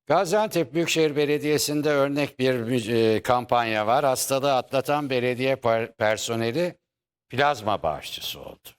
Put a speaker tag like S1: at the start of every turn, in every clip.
S1: Gaziantep Büyükşehir Belediyesi'nde örnek bir kampanya var. Hastalığı atlatan belediye personeli plazma bağışçısı oldu.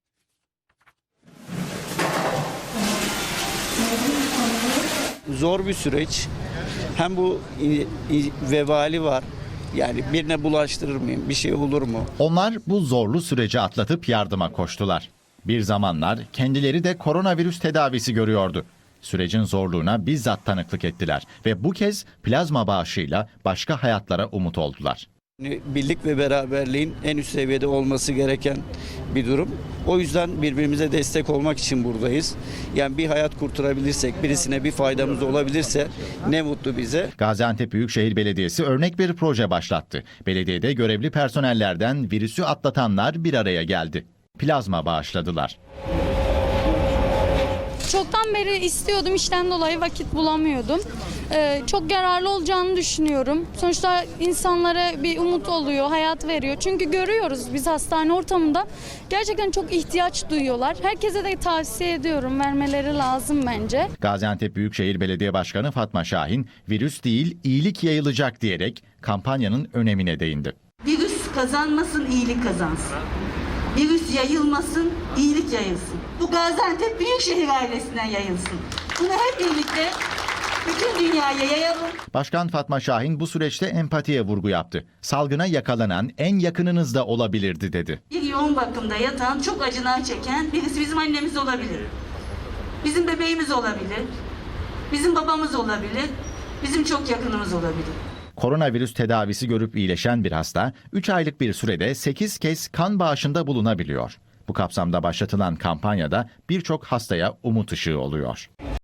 S2: Zor bir süreç. Hem bu vebali var. Yani birine bulaştırır mıyım? Bir şey olur mu?
S3: Onlar bu zorlu süreci atlatıp yardıma koştular. Bir zamanlar kendileri de koronavirüs tedavisi görüyordu. Sürecin zorluğuna bizzat tanıklık ettiler ve bu kez plazma bağışıyla başka hayatlara umut oldular.
S2: Birlik ve beraberliğin en üst seviyede olması gereken bir durum. O yüzden birbirimize destek olmak için buradayız. Yani bir hayat kurtarabilirsek, birisine bir faydamız olabilirse ne mutlu bize.
S3: Gaziantep Büyükşehir Belediyesi örnek bir proje başlattı. Belediyede görevli personellerden virüsü atlatanlar bir araya geldi. Plazma bağışladılar.
S4: Çoktan beri istiyordum, işten dolayı vakit bulamıyordum. Çok yararlı olacağını düşünüyorum. Sonuçta insanlara bir umut oluyor, hayat veriyor. Çünkü görüyoruz biz hastane ortamında gerçekten çok ihtiyaç duyuyorlar. Herkese de tavsiye ediyorum, vermeleri lazım bence.
S3: Gaziantep Büyükşehir Belediye Başkanı Fatma Şahin, virüs değil iyilik yayılacak diyerek kampanyanın önemine değindi.
S5: Virüs kazanmasın, iyilik kazansın. Virüs yayılmasın, iyilik yayılsın. Bu Gaziantep Büyükşehir ailesinden yayılsın. Bunu hep birlikte bütün dünyaya yayalım.
S3: Başkan Fatma Şahin bu süreçte empatiye vurgu yaptı. Salgına yakalanan en yakınınız da olabilirdi dedi.
S5: Bir yoğun bakımda yatan, çok acılar çeken birisi bizim annemiz olabilir. Bizim bebeğimiz olabilir. Bizim babamız olabilir. Bizim çok yakınımız olabilir.
S3: Koronavirüs tedavisi görüp iyileşen bir hasta 3 aylık bir sürede 8 kez kan bağışında bulunabiliyor. Bu kapsamda başlatılan kampanyada birçok hastaya umut ışığı oluyor.